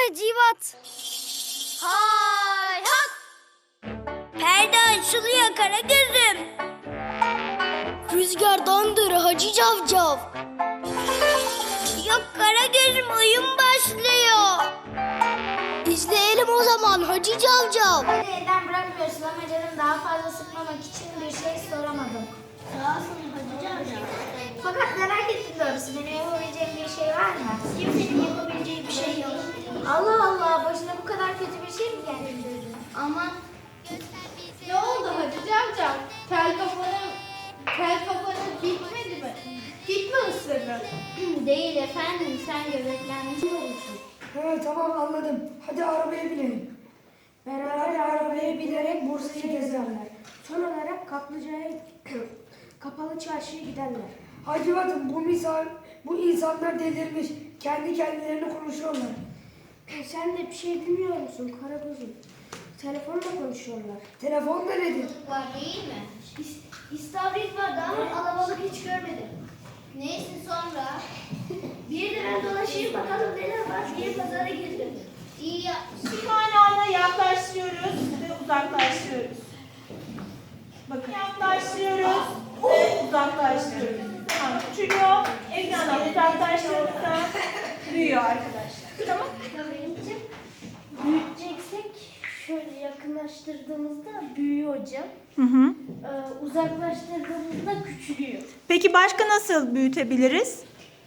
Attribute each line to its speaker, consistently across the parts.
Speaker 1: Hacivat. Hay hat. Perde açılıyor Karagöz'üm. Rüzgardandır Hacı Cavcav. Yok Karagöz'üm, oyun başlıyor. İzleyelim o zaman Hacı Cavcav.
Speaker 2: Hadi elden bırakmıyorsun ama canım, daha fazla sıkmamak için bir şey soramadım.
Speaker 1: Sağ olsun Hacı Cavcav.
Speaker 2: Fakat merak ettim doğrusu, benim yapabileceğim bir şey var mı?
Speaker 1: Kimsenin yapabileceği bir şey yok.
Speaker 2: Allah Allah, başına bu kadar kötü bir şey mi geldi?
Speaker 1: Ama
Speaker 3: Ne oldu Hacı Cavcav? Kel kafanı bitmedi mi? Git mi ısırdı?
Speaker 1: değil efendim, sen göbeklenmiş olursun.
Speaker 4: Ha, tamam anladım. Hadi arabaya binelim. Beraber arabaya binerek Bursa'yı gezerler.
Speaker 2: Son olarak Kaplıca'ya kapalı çarşıya giderler.
Speaker 4: Hacivat'ım bu insanlar delirmiş. Kendi kendilerine konuşuyorlar.
Speaker 2: Sen de bir şey bilmiyor musun Karagöz'üm? Telefonla konuşuyorlar.
Speaker 4: Telefon da nedir?
Speaker 1: Var değil mi?
Speaker 2: İstavrit vardı ama alabalık hiç görmedim.
Speaker 1: Neyse sonra.
Speaker 2: Bir de ben dolaşayım bakalım neler var diye pazara girdim.
Speaker 1: İyi yapmışsın.
Speaker 3: Kaynağına yaklaştırıyoruz ve uzaklaştırıyoruz. Bakın yaklaştırıyoruz ve uzaklaştırıyoruz. Tamam, küçülüyor. Ekrana uzaklaştırdıkça büyüyor arkadaşlar. Tamam.
Speaker 2: Benim büyüteceksek şöyle yakınlaştırdığımızda büyüyor hocam. Uzaklaştırdığımızda küçülüyor.
Speaker 5: Peki başka nasıl büyütebiliriz?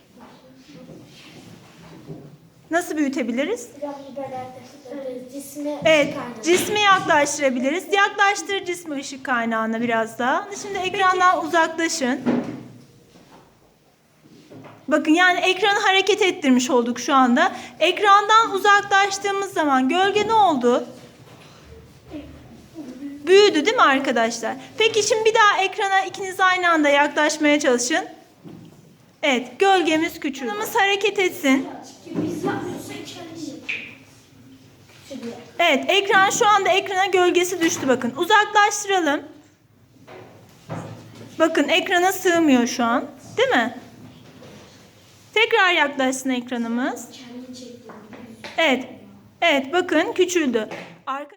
Speaker 5: Nasıl büyütebiliriz?
Speaker 2: Biraz cismi
Speaker 5: Evet, cismi yaklaştırabiliriz. Yaklaştır cismi ışık kaynağına biraz daha. Şimdi ekrandan uzaklaşın. Bakın yani ekranı hareket ettirmiş olduk şu anda. Ekrandan uzaklaştığımız zaman gölge ne oldu? Büyüdü değil mi arkadaşlar? Peki şimdi bir daha ekrana ikiniz aynı anda yaklaşmaya çalışın. Evet, gölgemiz küçüldü. Ekranımız hareket etsin.
Speaker 2: Biz yapmıyorsak kendisi küçülüyor.
Speaker 5: Evet, ekran şu anda ekrana gölgesi düştü bakın. Uzaklaştıralım. Bakın ekrana sığmıyor şu an. Değil mi? Tekrar yaklaşsın ekranımız. Evet. Evet, bakın küçüldü.